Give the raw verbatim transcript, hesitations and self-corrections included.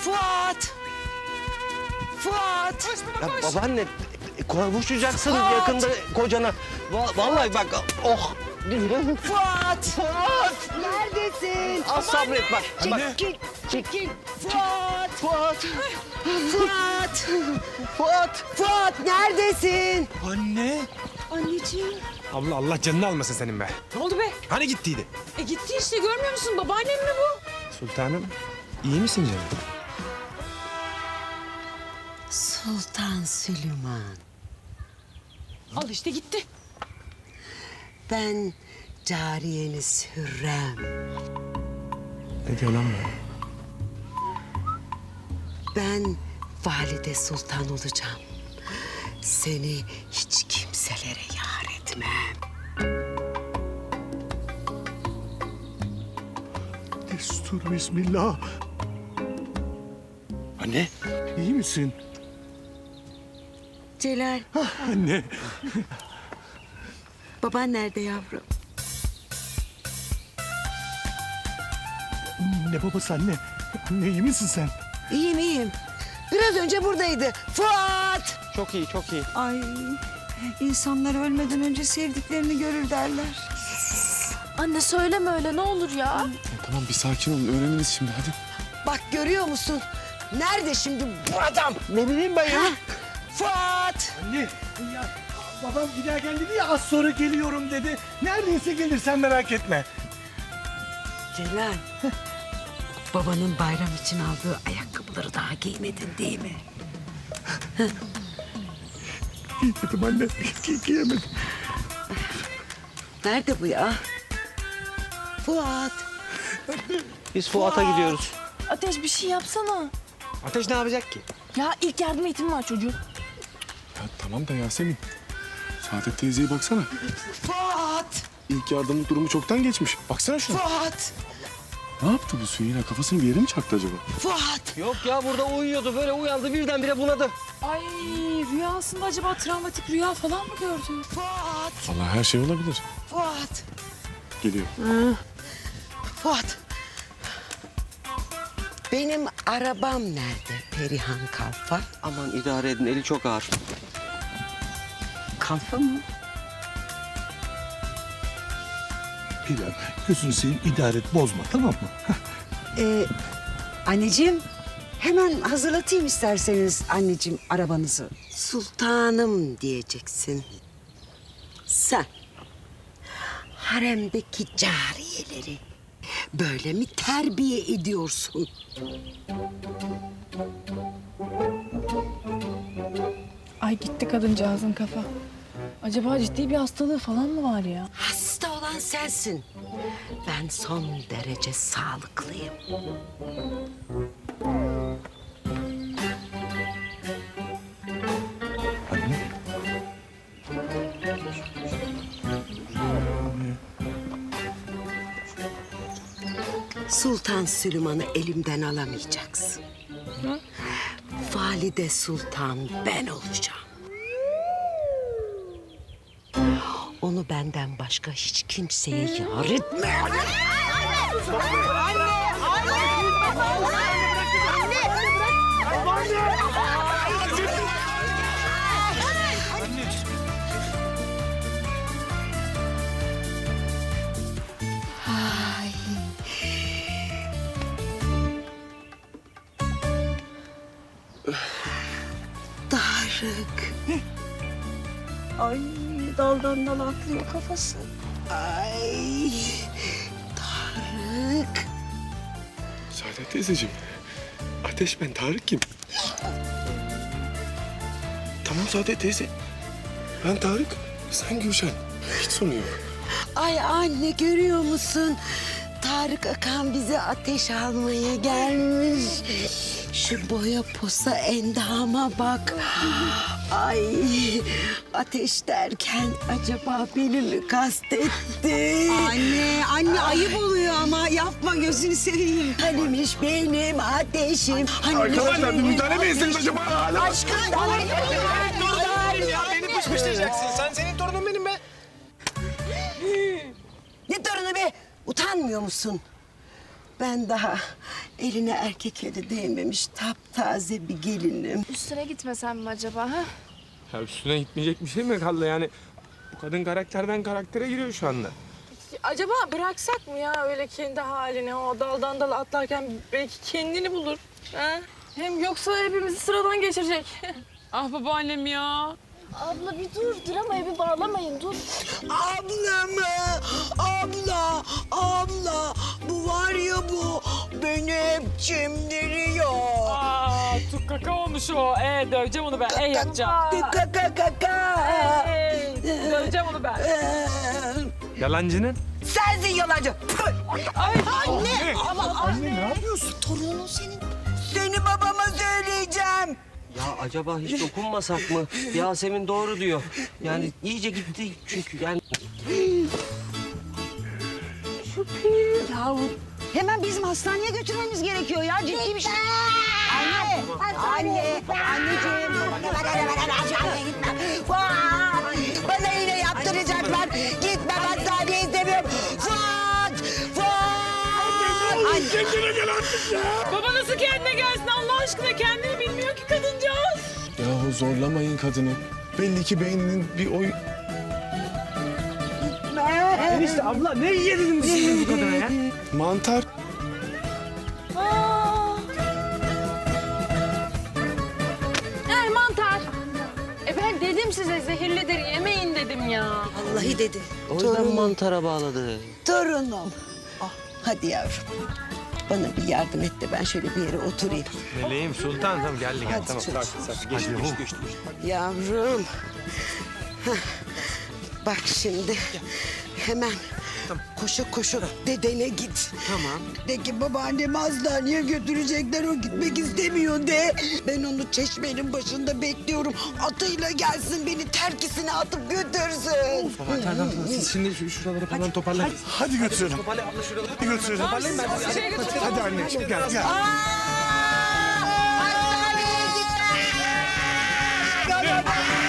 Fuat! Fuat! Ya babaanne kavuşacaksın yakında kocana. Va- vallahi bak oh. Fuat! Fuat! Neredesin? Az sabret bak. bak. Çekil, çekil. Fuat! Fuat. Fuat! Fuat. Fuat neredesin? Anne. Anneciğim. Abla Allah canını almasın senin be. Ne oldu be? Hani gittiydi? E gitti işte, görmüyor musun? Babaannem mi bu? Sultanım iyi misin canım? Sultan Süleyman. Al işte gitti. Ben cariyeniz Hürrem. Ne diyor lan bu? Ben valide sultan olacağım. Seni hiç kimselere yar etmem. Destur bismillah. Anne. İyi misin? Celal, Anne. baban nerede yavrum? Ne babası anne? Anne iyi misin sen? İyiyim, iyiyim. Biraz önce buradaydı. Fuat! Çok iyi çok iyi. Ay, insanlar ölmeden önce sevdiklerini görür derler. Anne söyleme öyle, ne olur ya. Tamam bir sakin olun öğreniriz şimdi hadi. Bak görüyor musun? Nerede şimdi bu adam? Ne bileyim ben ya. Fuat! Anne ya babam giderken dedi ya az sonra geliyorum dedi. Neredeyse gelir sen merak etme. Celal, babanın bayram için aldığı ayakkabıları daha giymedin değil mi? Giymedim anne. Giy giyemedim. Nerede bu ya? Fuat! Biz Fuat'a gidiyoruz. Ateş bir şey yapsana. Ateş ne yapacak ki? Ya ilk yardım eğitimi var çocuğun. Ya tamam da Yasemin. Saadet teyzeye baksana. Fuat! İlk yardımlık durumu çoktan geçmiş. Baksana şuna. Fuat! Ne yaptı bu su yine? Kafasını bir yere mi çaktı acaba? Fuat! Yok ya burada uyuyordu böyle uyandı birdenbire bunadı. Ay rüyasında acaba travmatik rüya falan mı gördü? Fuat! Vallahi her şey olabilir. Fuat! Geliyor. Fuat! Benim arabam nerede Perihan Kalfa? Aman idare edin eli çok ağır. Kalfa mı? Bilal gözünü seveyim idare et bozma tamam mı? Ee, anneciğim, hemen hazırlatayım isterseniz anneciğim arabanızı. Sultanım diyeceksin. Sen haremdeki cariyeleri böyle mi terbiye ediyorsun? Ay gitti kadıncağızın kafa. Acaba ciddi bir hastalığı falan mı var ya? Hasta olan sensin. Ben son derece sağlıklıyım. Anne. Sultan Süleyman'ı elimden alamayacaksın. Valide Sultan ben olacağım. Onu benden başka hiç kimseye yar etme. Ay. Tarık. Ay, daldan dala atlıyor kafası. Ay. Tarık. Saadet teyzeciğim. Ateş ben Tarık kim? Tamam Saadet teyze. Ben Tarık. Sen Gülşen. Hiç sorun yok. Ay anne görüyor musun? Tarık Akan bize ateş almaya gelmiş. Şu boya posa endama bak. Ay ateş derken acaba beni mi kastetti? Anne, anne ayıp oluyor ama yapma gözünü seveyim. Hanimiş benim ateşim. Hanimiş Arkadaşlar bir benim müdahale mi etseniz ateşim. acaba? Hala Aşkım Ya beni pışpışlayacaksın. Sen senin torunun benim be. ne torunu be? Utanmıyor musun? Ben daha Eline erkek eli değmemiş taptaze bir gelinim. Üstüne gitmesem mi acaba ha? Ya üstüne gitmeyecek bir şey mi kaldı yani? Bu kadın karakterden karaktere giriyor şu anda. Acaba bıraksak mı ya öyle kendi haline o daldan dala atlarken belki kendini bulur. Ha? Hem yoksa hepimizi sıradan geçirecek. Ah babaannem ya. Abla bir dur dramayı bir bağlamayın dur. Abla mı? Abla, abla. Bu var ya bu beni hep çimdiriyor. Aa, tut kaka olmuş o. Ee, döveceğim onu ben. Ee, yapacağım. Kaka kaka kaka. Ee, döveceğim onu ben. Yalancının? Sensin yalancı. Ay, Anne. Anne ne yapıyorsun? Torunun senin. Seni babama söyleyeceğim. Ya acaba hiç dokunmasak mı? Yasemin doğru diyor. Yani iyice gitti çünkü yani. Yahu hemen bizim hastaneye götürmemiz gerekiyor ya. Ciddi bir şey. Anne, anne, anneciğim. Fuat. Bana yine yaptıracaklar. Gitmem hastaneye istemiyorum. Fuat. Fuat. Kendine gel artık ya. baba nasıl kendine gelsin Allah aşkına? Kendini bilmiyor ki kadıncağız. Yahu zorlamayın kadını. Belli ki beyninin bir oy... Enişte abla ne yediniz siz bu kadına ya? Mantar. He mantar. E ben dedim size zehirlidir yemeyin dedim ya. Vallahi dedi. O yüzden mantara bağladı. Torunum. Ah, hadi yavrum. Bana bir yardım et de ben şöyle bir yere oturayım. Meleğim Sultan tamam geldi geldi Hadi tamam. çocuğum. Sakin sakin geçti geçti geçti. Yavrum. Hah. Bak şimdi hemen koşa koşa dedene git. Tamam. De ki babaannemi hastaneye götürecekler o gitmek istemiyor de. Ben onu çeşmenin başında bekliyorum. Atıyla gelsin beni terkisine atıp götürsün. Tamam tamam siz şimdi şu şuraları falan toparlayın. Hadi götürelim. Toparlay abla şuraları. Hadi götürelim. Hadi, hadi anneciğim gel gel. Hastaneye gitme.